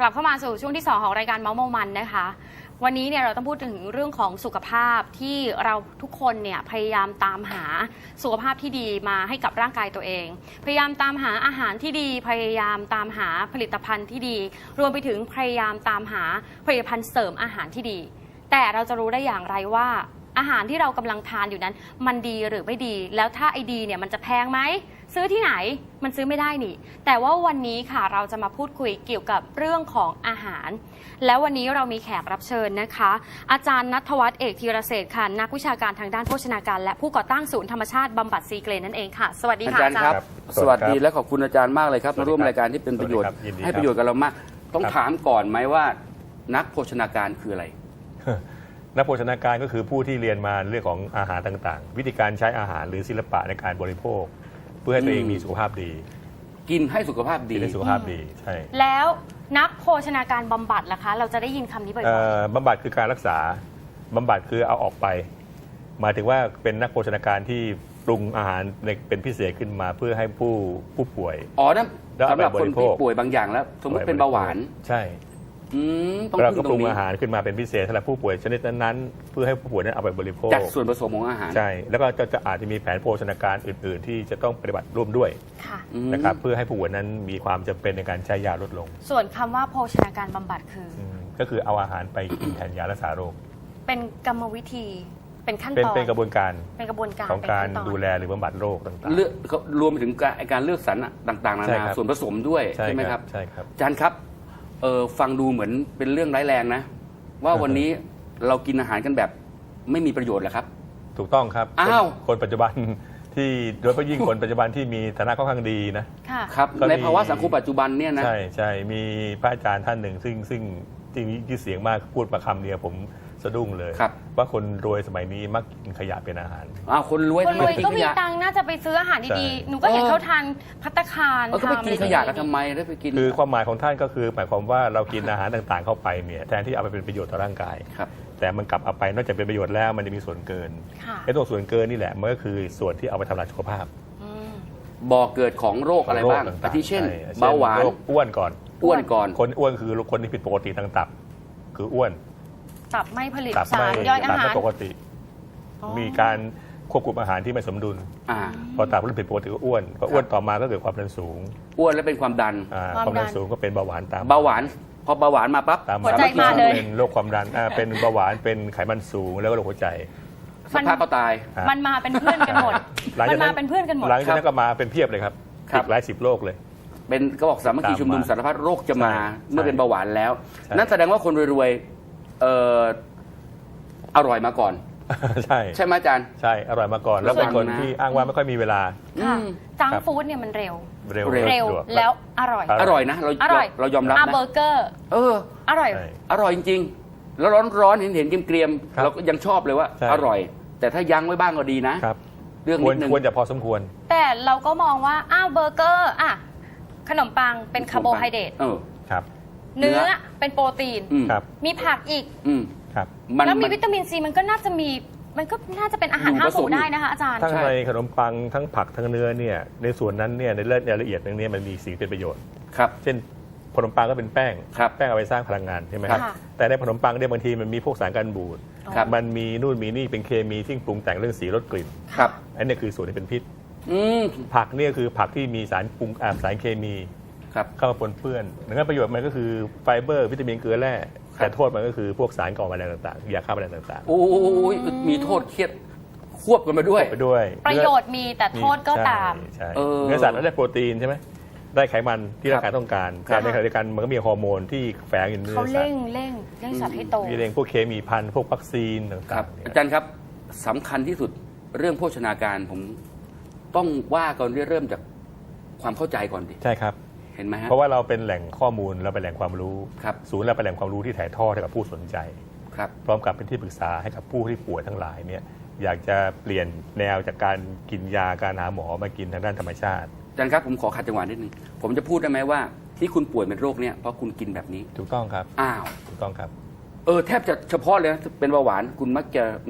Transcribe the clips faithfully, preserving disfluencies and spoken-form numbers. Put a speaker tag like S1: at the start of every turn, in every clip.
S1: บเข้ามาสู่ช่วงที่สองของรายการเมาส์เมามันนะคะวันนี้เนี่ยเราต้องพูดถึงเรื่องของสุขภาพที่เราทุกคนเนี่ยพยายามตามหาสุขภาพที่ดีมาให้กับร่างกายตัวเองพยายามตามหาอาหารที่ดีพยายามตามหาผลิตภัณฑ์ที่ดีรวมไปถึงพยายามตามหาผลิตภัณฑ์เสริมอาหารที่ดีแต่เราจะรู้ได้อย่างไรว่าอาหารที่เรากำลังทานอยู่นั้นมันดีหรือไม่ดีแล้วถ้าไอดีเนี่ยมันจะแพงไหมซื้อที่ไหนมันซื้อไม่ได้นี่แต่ว่าวันนี้ค่ะเราจะมาพูดคุยเกี่ยวกับเรื่องของอาหารแล้ววันนี้เรามีแขกรับเชิญนะคะอาจารย์ณัฐวัฒน์เอกธีรเศรษฐ์ค่ะนักวิชาการทางด้านโภชนาการและผู้ก่อตั้งศูนย์ธรรมชาติบำบัดซีเกรนนั่นเองค่ะสวัสดีค่ะอาจารย์ครับ
S2: สวัสดีและขอบคุณอาจารย์มากเลยครับมาร่วมรายการที่เป็นประโยชน์ให้ประโยชน์กับเรามากต้องถามก่อนไหมว่านักโภชนาการคืออะไร
S3: นักโภชนาการก็คือผู้ที่เรียนมาเรื่องของอาหารต่างๆวิธีการใช้อาหารหรือศิลปะในการบริโภคเพื่อให้ตัวเองมีสุขภาพดี
S2: กินให้สุขภาพดี
S3: กินให้สุขภาพดีใช่
S1: แล้วนักโภชนาการบำบัดล่ะคะเราจะได้ยินคำนี้บ่อย
S3: ๆบำบัดคือการรักษาบำบัดคือเอาออกไปหมายถึงว่าเป็นนักโภชนาการที่ปรุงอาหารเป็นพิเศษขึ้นมาเพื่อให้ผู้ผู้ป่วย
S2: อ๋อนั่นสำหรับคนที่ป่วยบางอย่างแล้วสมมติเป็นเบาหวาน
S3: ใช่เราก็ปรุงอาหารขึ้นมาเป็นพิเศษสำหรับผู้ป่วยชนิดนั้นๆเพื่อให้ผู้ป่วยนั้นเอาไปบริโภค
S2: จากส่วนผสมของอาหาร
S3: ใช่แล้วก็จะอาจจะมีแผนโภชนาการอื่นๆที่จะต้องปฏิบัติร่วมด้วยนะครับเพื่อให้ผู้ป่วยนั้นมีความจำเป็นในการใช้ยาลดลง
S1: ส่วนคำว่าโภชนาการบำบัดคือ
S3: ก็คือเอาอาหารไปกินแทนยารักษาโรค
S1: เป็นกรรมวิธีเป็นขั้นตอน
S3: เป็นกระบวนการ
S1: เป็นกระบวนการ
S3: ของการดูแลหรือบำบัดโรคต่างๆ
S2: เลือกรวมไปถึงการเลือกสรรต่างๆนานาส่วนผสมด้วยใช่ไหมครับ
S3: ใช่ครับ
S2: อาจารย์ครับเออฟังดูเหมือนเป็นเรื่องร้ายแรงนะว่าวันนี้เรากินอาหารกันแบบไม่มีประโยชน์เหรอครับ
S3: ถูกต้องครับ
S2: อ้าว
S3: คนปัจจุบันที่โดยเฉพาะยิ่งคนปัจจุบันที่มีฐานะค่อนข้างดีนะ
S2: ครับในภาวะสังคมปัจจุบันเนี่ยนะ
S3: ใช่ใช่มีพระอาจารย์ท่านหนึ่งซึ่งซึ่งจริงที่เสียงมากพูดมาคำเดียวผมสะดุ้งเลยว่าคนรวยสมัยนี้มักกินขยะเป็นอาหาร
S2: อ้าวคนรวย
S1: คนรวยก็มีตังค์น่าจะไปซื้ออาหารดีๆหนูก็เห็นเขาทานภัตตาคาร
S2: เขาไปกินขยะกันทำไมได้ไปกิน
S3: คือความหมายของท่านก็คือหมายความว่าเรากินอาหารต่างๆเข้าไปเนี่ยแทนที่เอาไปเป็นประโยชน์ต่อร่างกายแต่มันกลับเอาไปนอกจากเป็นประโยชน์แล้วมันจะมีส่วนเกินไอ้ตัวส่วนเกินนี่แหละมันก็คือส่วนที่เอาไปทำลายสุขภาพ
S2: บ่อเกิดของโรคอะไรบ้างอาทิเช่นเบาหวาน
S3: อ้วนก่อน
S2: อ้วนก่อน
S3: คนอ้วนคือคนที่ผิดปกติทางตับคืออ้วน
S1: ตับไม่ผลิตสารย่อยอาหาร
S3: ปกติมีการควบคุมอาหารที่ไม่สมดุลพอตับเริ่มผิดปกติก็อ้วนพออ้วนต่อมาก็เกิดความดันสูง
S2: อ้วนแล้วเป็นความดัน
S3: ความดันสูงก็เป็นเบาหวานตาม
S2: เบาหวานพอเบาหวานมาปั๊บ
S1: หัวใจมาเลย
S3: เป็นโรคความดันเป็นเบาหวานเป็นไขมันสูงแล้วก็โรคหัวใจ
S2: สักพักก็ตาย
S1: มันมาเป็นเพื่อนกันหมดมันมาเป็นเพื่อนกันหมด
S3: หลังจากนั้นก็มาเป็นเพียบเลยครับอีกหลายสิบโรคเลย
S2: เป็นก็บอกสามัคคีชุมนุมสารพัดโรคจะมาเมื่อเป็นเบาหวานแล้วนั่นแสดงว่าคนรวยๆอร่อยมาก่อน
S3: ใช่
S2: ใช่ไหมอาจารย์
S3: ใช่อร่อยมาก่อนแล้วเป็นคนที่อ้างว่าไม่ค่อยมีเวลา
S1: จังฟู้ดเนี่ยมันเร็ว
S3: เร็ว
S1: เร็วแล้วอร่อย
S2: อร่อยนะเราเรายอมรับนะ
S1: เบอร์เกอร์
S2: เออ
S1: อร่อย
S2: อร่อยจริงๆแล้วร้อนๆเห็นเห็นเกรียมๆเราก็ยังชอบเลยว่าอร่อยแต่ถ้ายั้งไว้บ้างก็ดีนะ
S3: เรื่องนิดนึงควรจะพอสมควร
S1: แต่เราก็มองว่าอ้าวเบอร์เกอร์อ่ะขนมปังเป็นคาร์โบไฮเดรตเนื้อเป็นโปรตีนมีผักอีกแล้วมีวิตามินซีมันก็น่าจะมีมันก็น่าจะเป็นอาหารห้าหมู่ได้นะคะอาจารย์
S3: ทั้งในขนมปังทั้งผักทั้งเนื้อเนี่ยในส่วนนั้นเนี่ยในรายละเอียดตรงนี้มันมีสิ่งเป็นประโยชน์
S2: ครับ
S3: เช่นขนมปังก็เป็นแป้งแป้งเอาไปสร้างพลังงานใช่ไหมครับแต่ในขนมปังเนี่ยบางทีมันมีพวกสารกันบูดมันมีนู่นมีนี่เป็นเคมีที่ปรุงแต่งเรื่องสีรสกลิ่นอันนี้คือส่วนที่เป็นพิษผักเนี่ยคือผักที่มีสารปรุงสารเคมีเข้ามาปนเปื้อนดังนั้นประโยชน์มันก็คือไฟเบอร์วิตามินเกลือแร่แต่โทษมันก็คือพวกสารก่อมะเร็งต่างๆยาฆ่าแมลงต่างๆ
S2: โอ้ยมีโทษเครียดควบกันมาด้วย
S3: ไปด้วย
S1: ประโยชน์มีแต่โทษก็ตาม
S3: เนื้อสัตว์ได้โปรตีนใช่ไหมได้ไขมันที่ร่างกายต้องการแต่ในขณะเดียวกันมันก็มีฮอร์โมนที่แฝงอยู่ในเนื้อสัตว์
S1: เขาเร่งเร่งเร่งสัตว์ให้โต
S3: มีเร่งพวกเคมีพันธุ์พวกวัคซีนต่าง
S2: ๆอาจารย์ครับสำคัญที่สุดเรื่องโภชนาการผมต้องว่าก่อนเริ่มจากความเข้าใจก่อนดิ
S3: ใช่ครับ
S2: เห็นไหมฮะ
S3: เพราะว่าเราเป็นแหล่งข้อมูลเราเป็นแหล่งความรู้ศูนย์เราเป็นแหล่งความรู้ที่ถ่ายทอดให้กับผู้สนใจพร้อมกับเป็นที่ปรึกษาให้กับผู้ที่ป่วยทั้งหลายเนี่ยอยากจะเปลี่ยนแนวจากการกินยาการหาหมอมากินทางด้านธรรมชาติ
S2: อาจารย์ครับผมขอขัดจังหวะนิดนึงผมจะพูดได้ไหมว่าที่คุณป่วยเป็นโรคเนี่ยเพราะคุณกินแบบนี้
S3: ถูกต้องครับ
S2: อ้าว
S3: ถูกต้องครับ
S2: เออแทบจะเฉพาะเลยนะเป็นเบาหวานคุณมักจะมี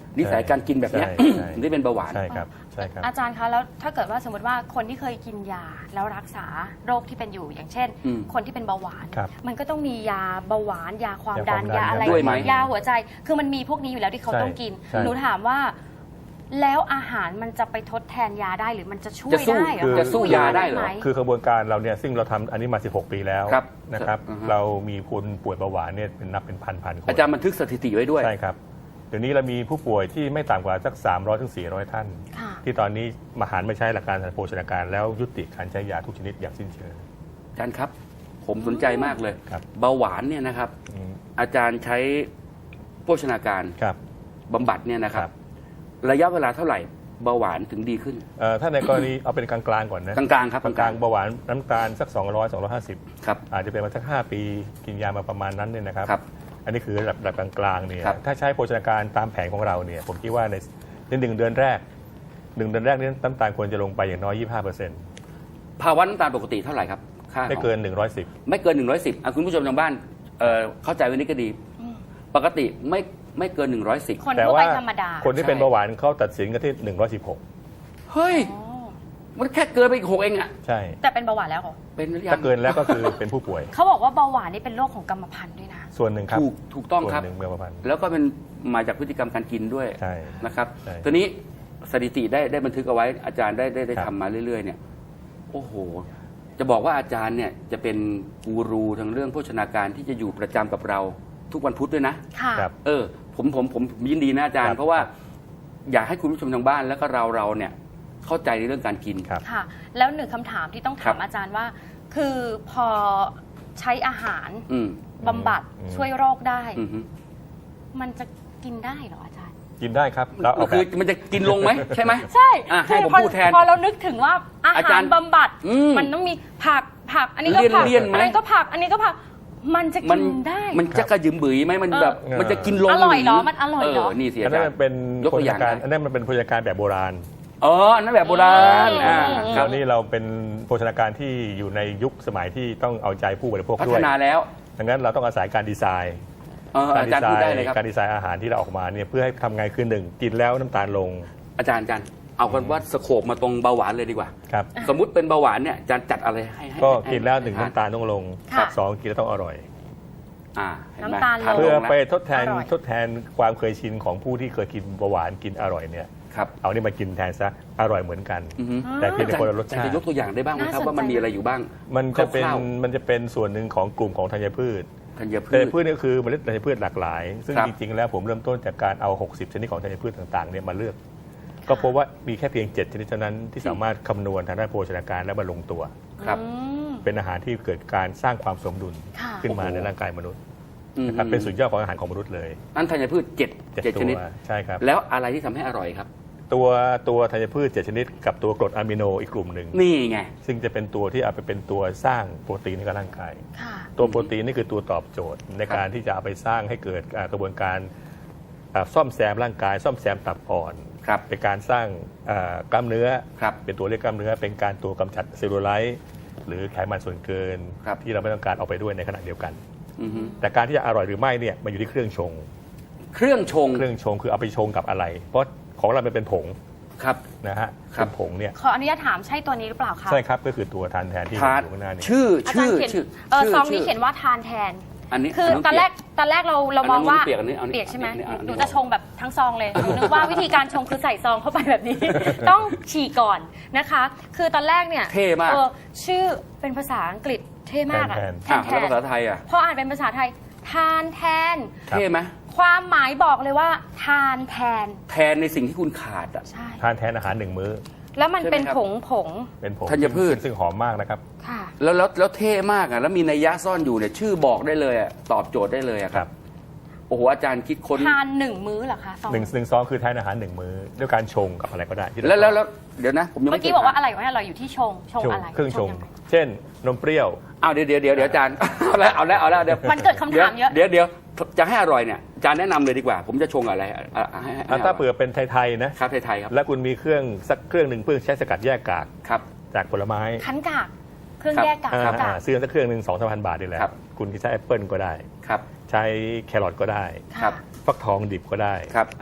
S2: นิสัยการกินแบบเนี้ย
S3: ใช่ใช่
S2: ถึงได้เป็นเบาหวาน
S3: ใช่ครับใช่ครับ
S1: อาจารย์คะแล้วถ้าเกิดว่าสมมติว่าคนที่เคยกินยาแล้วรักษาโรคที่เป็นอยู่อย่างเช่น
S2: อืม
S1: คนที่เป็นเบาหวาน
S3: ครับ
S1: มันก็ต้องมียาเบาหวาน ยาความดัน
S3: ยาความดัน
S1: ยาอะไร
S2: ด้วยไหม
S1: ยาหัวใจ คือมันมีพวกนี้อยู่แล้วที่เขา
S3: ใช่
S1: ต้องกิน
S3: ใช่
S1: หนูถามว่า แล้วอาหารมันจะไปทดแทนยาได้หรือมันจะช่วย
S2: จะสู้
S1: ได้เหรอ
S2: จะสู้ยาได้เหรอ
S1: หม
S3: คือกระบวนการเราเนี่ยซึ่งเราทำอันนี้มาสิบหกปีแล้ว
S2: ครับ
S3: นะครับ
S2: อือฮึ
S3: เรามีคนป่วยเบาหวานเนี่ยเป็นนับเป็นพันพันคน
S2: อาจารย์บันทึกสถิติไว้ด้วย
S3: ใช่ครับเดี๋ยวนี้เรามีผู้ป่วยที่ไม่ต่ำกว่าสักสามร้อยถึงสี่ร้อยท่าน
S1: ค่ะ
S3: ที่ตอนนี้มาหันไม่ใช้หลักการทางโภชนาการแล้วยุติการใช้ยาทุกชนิดอย่างสิ้นเชิง
S2: อาจารย์ครับ ผมสนใจมากเลย
S3: ครับ
S2: เบาหวานเนี่ยนะครับ
S3: อืม
S2: อาจารย์ใช้โภชนาการ
S3: ครับ
S2: บำบัดเนี่ยนะครั
S3: ครับ บ
S2: ระยะเวลาเท่าไหร่เบาหวานถึงดีขึ้น
S3: เอ่อถ้าในกรณีเอาเป็นกลางๆก่อนนะ
S2: กลางๆครับ
S3: กลางๆเบาหวานน้ำตาลสัก สองร้อย สองร้อยห้าสิบ
S2: ครับ
S3: อาจจะเป็นมาสักห้าปีกินยามาประมาณนั้นเนี่ยนะครับ
S2: ครับ
S3: อันนี้คือระดับระดับกลางๆเนี่ย
S2: ครับ
S3: ถ้าใช้โภชนาการตามแผนของเราเนี่ยผมคิดว่าในในหนึ่งเดือนแรกหนึ่งเดือนแรกนี้น้ำตาลควรจะลงไปอย่างน้อย ยี่สิบห้าเปอร์เซ็นต์
S2: ภาวะน้ำตาลปกติเท่าไหร่ครับค่า
S3: ไม่เกิน หนึ่งร้อยสิบ
S2: ไม่เกินหนึ่งร้อยสิบอ่ะคุณผู้ชมทางบ้านเอ่อเข้าใจไว้นี่ก็ดี ปกติไม่ไม่เกินหนึ่งร้อยสิบ
S1: คน
S3: แต่
S1: ทั่ว
S3: ว่า
S1: ไปธรรมดา
S3: คนที่เป็น
S2: ใช่
S3: เบาหวานเขาตัดสินกันที่ หนึ่งร้อยสิบหก
S2: เฮ้ย
S1: อ๋อ
S2: มันแค่เกินไปอีกหกเองอ่ะ
S3: ใช่
S1: แต่เป็นเบาหวานแล้วเหรอ
S2: เป็นหรือยั
S3: ถ้าง เกินแล้วก็คือเป็นผู้ป่วย
S1: เขาบอกว่าเบาหวานนี่เป็นโรคของกรรมพันธุ์ด้วยนะ
S3: ส่วนหนึ่งครับ
S2: ถูกถูกต้องครับ
S3: ส่วนหนึ่งเมื่อประมาณ
S2: แล้วก็เป็นมาจากพฤติกรรมการกินด้วย
S3: ใช่
S2: นะครับ
S3: ใช่
S2: ทีนี้สถิติได้ได้บันทึกเอาไว้อาจารย์ได้ได้ได้
S3: ครับ
S2: ทำมาเรื่อยๆเนี่ยโอ้โห จะบอกว่าอาจารย์เนี่ยจะเป็นกูรูทางเรื่องโภชนาการที่จะอยู่ประจำกับเราทุกวันพุธด้วยนะ
S1: ค่ะ
S3: ครับ
S2: เออผมผมผมยินดีนะอาจาร
S3: ครั
S2: ย์
S3: บ
S2: เพราะว่าอยากให้คุณผู้ชมทางบ้านแล้วก็เราเราเนี่ยเข้าใจในเรื่องการกิน
S3: ครับ
S1: ค่ะ แล้วหนึ่งคำถามที่ต้อง
S2: ครั
S1: ถาม
S2: บ
S1: อาจารย์ว่า คือพอใช้อาหาร
S2: อืม
S1: บำบัด
S3: อืม
S1: ช่วยโรคได้
S2: อืมฮึ
S1: มันจะกินได้เหรออาจารย์
S3: กินได้ครับเราเอาแบ
S2: คือบ มันจะกินลงไหมใช่ไหม
S1: ใช่
S2: อ่ะให้ผม
S1: พอ
S2: พูดแทน
S1: พอเรานึกถึงว่าอา
S2: อา
S1: หา
S2: จาร รย์
S1: บำบัด
S2: อืม
S1: มันต้องมีผักผัก อันนี้ก็ผัก
S2: เลี่ยนๆไหม
S1: อันนี้ก็ผัก อันนี้ก็ผัก มันจะ
S2: มั
S1: กิ
S2: น
S1: นได้
S2: มันจะกระยืมบืยไหมมัน
S1: เออ
S2: แบบ
S3: เออ
S2: มันจะกินลง
S1: อร่อยเหรอมันอร่อยเหรอ
S2: นี่เสีย
S3: อัน
S2: อา
S3: นั้
S2: จาน ร
S3: มัน
S2: ย์
S3: เป็น
S2: ยก
S3: โภ
S2: ตัว
S3: ช
S2: อย่าง
S3: นาการ
S2: ได้
S3: อันนั้นมันเป็นโภชนาการแบบโบราณ
S2: อ๋ออันนั้นแบบโบราณอ่า
S1: อืม
S2: ค
S3: ต
S2: รั
S3: อบ นนี้เราเป็นโภชนาการที่อยู่ในยุคสมัยที่ต้องเอาใจผู้บริโภค
S2: พั
S3: ด้
S2: ฒ
S3: วย
S2: นาแล้ว
S3: ดังนั้นเราต้องอาศัยการดีไซน์
S2: เออ
S3: การ
S2: อา
S3: ดี
S2: จารย์
S3: ไซ
S2: พูดได้
S3: น์
S2: เลยครับ
S3: การดีไซน์อาหารที่เราออกมาเนี่ยเพื่อให้ทำไงคือหนึ่งกินแล้วน้ำตาลลง
S2: อาจารย์อาจารย์เอากันว่าสโคปมาตรงเบาหวานเลยดีกว่า
S3: ครับ
S2: สมมุติเป็นเบาหวานเนี่ยอาจารย์จัดอะไรให้ให้
S3: ก็
S2: ให้
S3: กินแล้วหนึ่ง
S2: ให้
S3: น้ำตาลต้องลง
S1: ค่ะ
S3: สองกินแล้วต้องอร่อย
S2: อ่าเห็ไหม
S1: น้ำตาลลง
S2: ทน
S3: เพื่อ
S2: แล้ว
S3: ไปทดแทน
S1: อร่อย
S3: ทดแทนความเคยชินของผู้ที่เคยกินเบาหวานกินอร่อยเนี่ย
S2: ครับ
S3: เอานี่มากินแทนซะอร่อยเหมือนกัน
S2: อือฮึ
S3: แต่เพียงแต่คนละรส
S2: อาจาร
S3: ชา
S2: ย์
S3: ติ
S2: จะยกตัวอย่างได้บ้างไหมครับ
S1: น่าสนใจ
S2: ว่ามันมีอะไรอยู่บ้าง
S3: มันจะเป็น
S2: คร่าว
S3: มันจะเป็นส่วนหนึ่งของกลุ่มของธัญพืช
S2: ธัญพื
S3: ธัญ
S2: ช
S3: พืชนี่คือเมล็ดธัญพืชหลากหลาย ซึ่ง
S2: ครับ
S3: จริงๆแล้วผมเริ่มต้นจากการเอา หกสิบ ชนิดของธัญพืชต่างๆเนี่ยมาเลือก ก็พบว่ามีแค่เพียง เจ็ด ชนิดเท่านั้นที่สามารถคำนวณทางด้านโภชนาการและมาลงตัว
S2: ครับ
S1: อืม
S3: เป็นอาหารที่เกิดการสร้างความสมดุล
S1: ค่ะ
S3: ขึ้นมา
S2: โอ้โห
S3: ในร่างกายมนุษย์
S2: อืม
S3: นะครับเป็นสุดยอดของอาหารของมนุษย์เลย
S2: นั่นธัญพืชเจ็ด
S3: เจ็ด
S2: เจ็ด
S3: ตั
S2: ช
S3: ว
S2: นิด
S3: ใช่ครับ
S2: แล้วอะไรที่ทำให้อร่อยครับ
S3: ตัวตัวธัญพืชเจ็ดชนิดกับตัวกรดอะมิโนอีกกลุ่มหนึ่ง
S2: นี่ไง
S3: ซึ่งจะเป็นตัวที่เอาไปเป็นตัวสร้างโปรตีนให้กับร่างกาย
S1: ค่ะ
S3: ตัวโปรตีนนี่คือตัวตอบโจทย์ในการที่จะเอาไปสร้างให้เกิดอ่ากระบวนการอ่าซ่อมแซมร่างกาย ซ่อมแซมตับอ่อน
S2: ครับ
S3: เป็นการสร้างอ่ากล้ามเนื้อ
S2: ครับ
S3: เป็นตัวเรียกกล้ามเนื้อ เป็นการตัวกำจัดเซลลูไลท์หรือไขมันส่วนเกิน
S2: ครับ
S3: ที่เราไม่ต้องการเอาไปด้วยในขณะเดียวกัน
S2: อือฮึ
S3: แต่การที่จะอร่อยหรือไม่เนี่ยมันอยู่ที่เครื่องชง
S2: เครื่องชง
S3: เครื่องชงคือเอาไปชงกับอะไร เพราะของเรามันเป็นผง
S2: ครับ
S3: นะฮะ
S2: ครับ
S3: เป็นผงเนี่ย
S1: ขออนุญาตถามใช่ตัวนี้หรือเปล่าคะ
S3: ใช่ครับก็คือตัวทานแทนที่
S2: ทาน
S3: อยู่ข้างหน้านี้
S2: ชื่อ
S1: อาจาร
S2: ชื่อ
S1: ย์เขียน
S2: ชื่อ
S1: เออ
S2: ชื่
S1: ซองนี้
S2: ชื่
S1: เขียนว่าทานแทน
S2: อันนี้
S1: คือ
S2: น้ง
S1: ตอนแรก
S2: เปีย
S1: ตอนแรกเราเรา
S2: อัน
S1: ม
S2: นั้
S1: อน ง
S2: นู้น
S1: ว่า
S2: เปียกอันนี้เอานี่
S1: เปียกใช่ไหม
S2: อันนี้อันนี้
S1: หนูจะชงแบบทั้งซองเลยหนูนึกว่าวิธีการชงคือใส่ซองเข้าไปแบบนี้ ต้องฉี่ก่อนนะคะ คือตอนแรกเนี่ย
S2: เท่มาก
S1: ออชื่อเป็นภาษาอังกฤษเท่มากอะ
S3: แทน
S2: อ่ะ
S1: แท
S2: แล้ว
S1: น
S2: ภาษาไทยอ่ะ
S1: พออ่านเป็นภาษาไทย ทานแทน
S3: ครับ
S2: เท่ไหม
S1: ความหมายบอกเลยว่า ทานแทน
S2: แทนในสิ่งที่คุณขาดอ่ะ
S1: ใช่
S3: ทานแทนอาหารหนึ่งมื้อ
S1: แล้วมันเป็น
S2: ใช่ไหมครับ
S1: ผงผง
S3: เป็นผง
S2: ธัญพืช
S3: ซึ่งซึ่งหอมมากนะครับ
S1: ค่ะ
S2: แล้วแล้วแล้วเท่มากอ่ะแล้วมีนัยยะซ่อนอยู่เนี่ยชื่อบอกได้เลยอ่ะตอบโจทย์ได้เลยอ่ะ
S3: ครับ
S2: โอ้โหอาจารย์คิดค้น
S1: ทานหนึ่งมื้อเหรอคะซอง
S3: หนึ่งหนึ่งซองคือทานอาหารหนึ่งมื้อด้วยการชงกับอะไรก็ได้ที่เรา
S2: แล้วแล้วแล้วเดี๋ยวนะ ผมยัง
S1: เมื่
S2: ไม่
S1: อกี้บอกว่าอะไรวะเนี่ยเราอยู่ที่ชงชง
S3: ชง
S1: อะไร
S3: เครื่องชง
S1: ยังไง
S3: เช่น นมเปรี้ยว
S2: อ้าวเดี๋ยวเดี๋ยวเดี๋ยวเดี๋ยวอาจารย์ เอาแล้วเอาแล้วเอาแล้วเดี๋ยว
S1: มันเกิดคำถามเยอะ
S2: เดี๋ยวเดี๋ยวจะให้อร่อยเนี่ยอาจารย์แนะนำเลยดีกว่า ผมจะชงอะไรอ่ะอ่ะให้ให้ให้
S3: ถ้าเผื่อเป็นไทยๆนะครับ
S2: ไทยๆครับ
S3: และคุณมีเครื่องสักเครื่องหนึ่งเพื่อใช้สกัดแยกกาก
S2: ครับ
S3: จากผลไม้
S1: คั้นกาก เครื่อง
S2: ครับ
S1: แยกกาก
S3: อ่า
S1: คั้นกา
S3: อ่าก ซื้อสักเครื่องหนึ่งสองสามพันบาทนี่แหละ
S2: ครับ
S3: คุณจะใช้แอปเปิลก็ได้
S2: ครับ
S3: ใช้แครอทก็ได้
S2: ครับ
S3: ฟักทองดิบก็ได้
S2: ครับ
S1: อ่า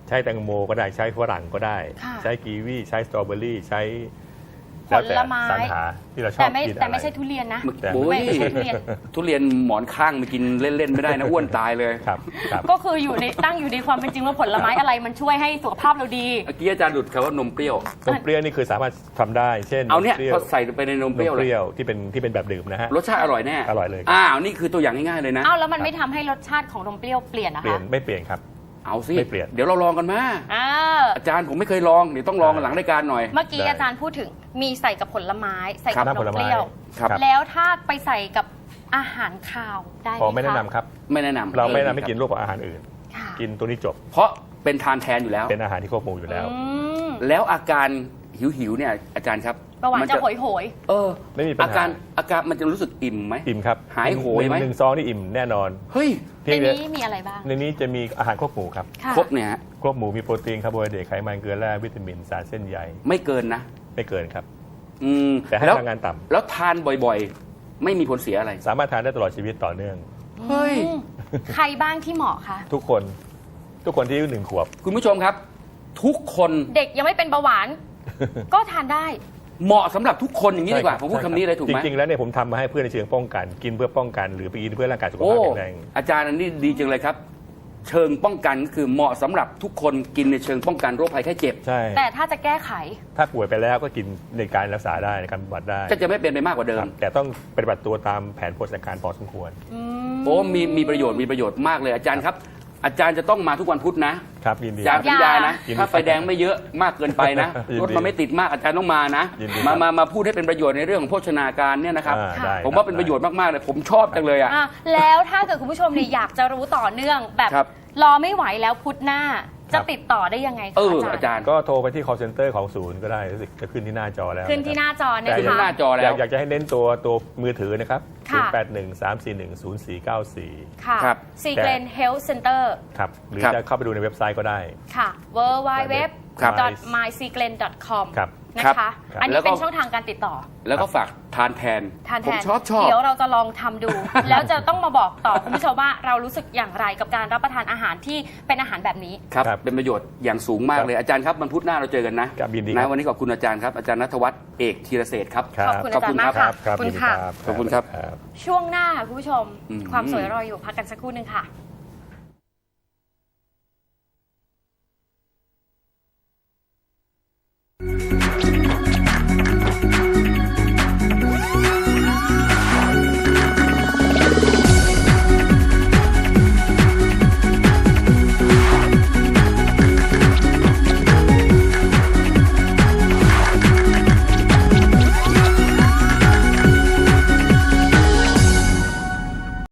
S3: ใช้แตงโมก็ได้ใช้ฝรั่งก็ได้
S1: ค่ะ
S3: ใช้กีวีใช้สตรอเบอรี่ใช้
S1: ผ
S3: แล้วแต่
S1: ลไม้
S3: สรรหาที่เราชอ
S1: แต่
S3: บ
S1: ไม่
S3: กิน
S1: แต่
S3: อะไร
S1: ไม่ใช่ทุเรียนนะ
S3: แต่
S2: โอ้ย
S1: ไม่ใช่ทุเรียน
S2: ทุเรียนหมอนข้างไปกินเล่น ๆ ไม่ได้นะ อ้วนตายเลย
S3: ครับครับ
S1: ก็คืออยู่ในตั้งอยู่ในความเป็นจริงว่าผลไม้อะไรมันช่วยให้สุขภาพเราดี
S2: เมื่อกี้อาจารย์หลุดคำว่านมเปรี้ยว
S3: นมเปรี้ยวนี่คือสามารถทำได้ เช่น
S2: เอาเนี่ย
S3: มปรี้ยว
S2: พอใส่ไปในนม
S3: น
S2: เปรี้ยว
S3: ม
S2: เล
S3: เป
S2: ย
S3: รี้ยวที่เป็นที่เป็นแบบดื่มนะฮะ
S2: รสชาติอร่อยแน่
S3: อร่อยเลยครับ
S2: อ้าวนี่คือตัวอย่างง่ายๆเลยนะ
S1: อ้าวแล้วมันไม่ทำให้รสชาติของนมเปรี้ยวเปลี่ยนนะ
S3: เปลี่ย
S1: คะ
S3: นไม่เปลี่ยนครับ
S2: เอาสิ
S3: ไม่เปลี่ยน
S2: เดี๋ยวเราลองกันมา
S1: อ่า
S2: อาจารย์ผมไม่เคยลองเดี๋ยวต้องลองกันหลังรายการหน่อย
S1: เมื่อกี้
S3: ได้
S1: อาจารย์พูดถึงมีใส่กับผลไม้ ใส่กับ
S3: น้ำ
S1: น
S3: ผม ล
S1: เป
S3: ไม้
S1: รี้ยว
S2: ครับ
S1: แล้วถ้าไปใส่กับอาหารคาวได้ไหม
S3: อ๋อ
S1: คะ
S3: ไม่แนะนำครับ
S2: ไม่แนะนำ
S3: เราไม่แนะนำให้กินร่วมกับอาหารอื่น
S1: ค่ะ
S3: กินตัวนี้จบ
S2: เพราะเป็นทานแทนอยู่แล้ว
S3: เป็นอาหารที่ควบคุมอยู่แล้ว
S1: อืม
S2: แล้วอาการหิวๆเนี่ยอาจารย์ครับ
S1: ประวัติ
S2: มั
S1: จะโหยโหย
S2: เออ
S3: ไม่มีปัญหา
S2: อาการอาการมันจะรู้สึกอิ่มไหม
S3: อิ่มครับ
S2: หายโหยไหม
S3: นึ่งหนึ่งซองนี่อิ่มแน่นอน
S2: เฮ้ย
S1: ใน
S3: เพียงแต่
S1: นี้มีอะไรบ้าง
S3: ในนี้จะมีอาหารควบหมู่ครับ
S1: ค่ะ
S2: ครบเนี่ยฮะ
S3: ควบหมู่มีโปรตีนคาร์โบไฮเดรตไขมันเกลือแร่วิตามินสารเส้นใย
S2: ไม่เกินนะ
S3: ไม่เกินครับ
S2: อืม
S3: แต่ให้
S2: แล้ว
S3: พลังงานต่ำ
S2: แล้วทานบ่อยๆ ไม่มีผลเสียอะไร
S3: สามารถทานได้ตลอดชีวิตต่อเนื่อง
S2: เฮ้ย
S1: อืมใครบ้างที่เหมาะคะ
S3: ทุกคนทุกคนที่อายุหนึ่งขวบ
S2: คุณผู้ชมครับ ทุกคน
S1: เด็กยังไม่เป็นเบาหวาน ก็ทานได้
S2: เหมาะสำหรับทุกคนอย่างนี้ดีกว่า
S3: ใช่
S2: ผ
S3: รับ
S2: มพูดคำนี้เลยถูกไหม
S3: จริงๆแล้วเนี่ยผมทำมาให้เพื่อนในเชิงป้องกัน กินเพื่อป้องกันหรือไปกินเพื่อร่างกายสุข
S2: โอ้
S3: ภาพแข็งแรง
S2: อาจารย์อันนี้ดีจังเลยครับ เชิงป้องกันก็คือเหมาะสำหรับทุกคนกินในเชิงป้องกันโรคภัยไข้เจ็บ
S3: ใช่
S1: แต่ถ้าจะแก้ไข
S3: ถ้าป่วยไปแล้วก็กินในการรักษาได้ในการบำบัดได้
S2: ก็จะไม่เป็นไปมากกว่าเดิ
S3: ค
S2: ม
S3: รับแต่ต้องปฏิบัติตัวตามแผนโภชนาการพอสมควร
S1: อืม
S2: โอ้มีมีประโยชน์มีประโยชน์มากเลยอาจารย์ครับ อาจารย์จะต้องมาทุกวันพุธนะครับ
S3: ยินดี
S2: อาจารย์สัญญานะ
S3: ยินดี
S2: ถ้าไฟแดงไม่เยอะมากเกินไปนะ
S3: ยินดี
S2: รถมันไม่ติดมากอาจารย์ต้องมานะ
S3: ยินดี
S2: มา
S3: ครับ
S2: มามาพูดให้เป็นประโยชน์ในเรื่องของโภชนาการเนี่ยนะครับ
S3: อ่าได้
S2: ผมว่าเป็นประโยชน์มากๆเลยผมชอบจังเลยอ่ะ
S1: อ่ะแล้วถ้าเกิดคุณผู้ชมเนี่ยอยากจะรู้ต่อเนื่องแบบ
S2: ครับ
S1: รอไม่ไหวแล้วพุธหน้าจะติดต่อได้ยังไงคะ
S2: เออ
S1: อา
S2: อา
S1: จา
S2: จาร ร
S1: ย์
S2: ย์
S3: ก็โทรไปที่ call center ของศูนย์ก็ได้รู้สึกจะขึ้นที่หน้าจอแล้ว
S1: ขึ้นที่ห
S3: ะ
S1: น้าจอ
S3: ครับ
S1: นะ
S2: ขึ้นที่ห
S1: คะ
S2: น้าจอแล้ว
S3: อยากอยากจะให้เน้นตัวตัวมือถือนะครับ
S1: ค่ะ
S3: ศูนย์ แปด หนึ่ง สาม สี่ หนึ่ง ศูนย์ สี่ เก้า สี่
S1: ค่ะ
S2: ครับ
S1: ซีเกรนเฮลท์เซ็นเตอร์
S3: ครับ หรือ
S2: ครับ
S3: จะเข้าไปดูในเว็บไซต์ก็ได้
S1: ค่ะ w w w
S2: ครับ
S1: my s e g r e n dot com
S3: ครับ
S1: นะคะ
S3: ครับ
S1: อัน
S2: แล้
S1: นี้
S2: วก็
S1: เป็นช่องทางการติดต่อ
S2: แล้วก็ฝากทานแทน
S1: ทานแท
S2: ผม
S1: น
S2: ชอบชอบ
S1: เดี๋ยวเราจะลองทำดู แล้วจะต้องมาบอกต่อคุณผู้ชมว่าเรารู้สึกอย่างไรกับการรับประทานอาหารที่เป็นอาหารแบบนี้
S2: ครับ
S3: ครับ
S2: เป็นประโยชน์อย่างสูงมากเลยอาจารย์ครับวันพุธหน้าเราเจอกันนะครับ
S3: ยินดี
S2: นะครับ วันนี้ขอบคุณอาจารย์ครับอาจารย์ณัฐวัฒน์เอกธีรเศรษฐ์ครับ
S3: ครับ
S1: ขอบคุณอาจารย์มาก
S2: ครั
S1: ค่ะ
S2: บ
S3: ครับ
S1: ขอบคุณ
S3: ยินดี
S1: ค่ะ
S3: รับ
S2: ขอบคุณครับ
S3: ครับ
S1: ช่วงหน้าค่ะคุณผู้ชม
S2: อืม
S1: ความสวยรออยู่พักกันสักครู่หนึ่งค่ะ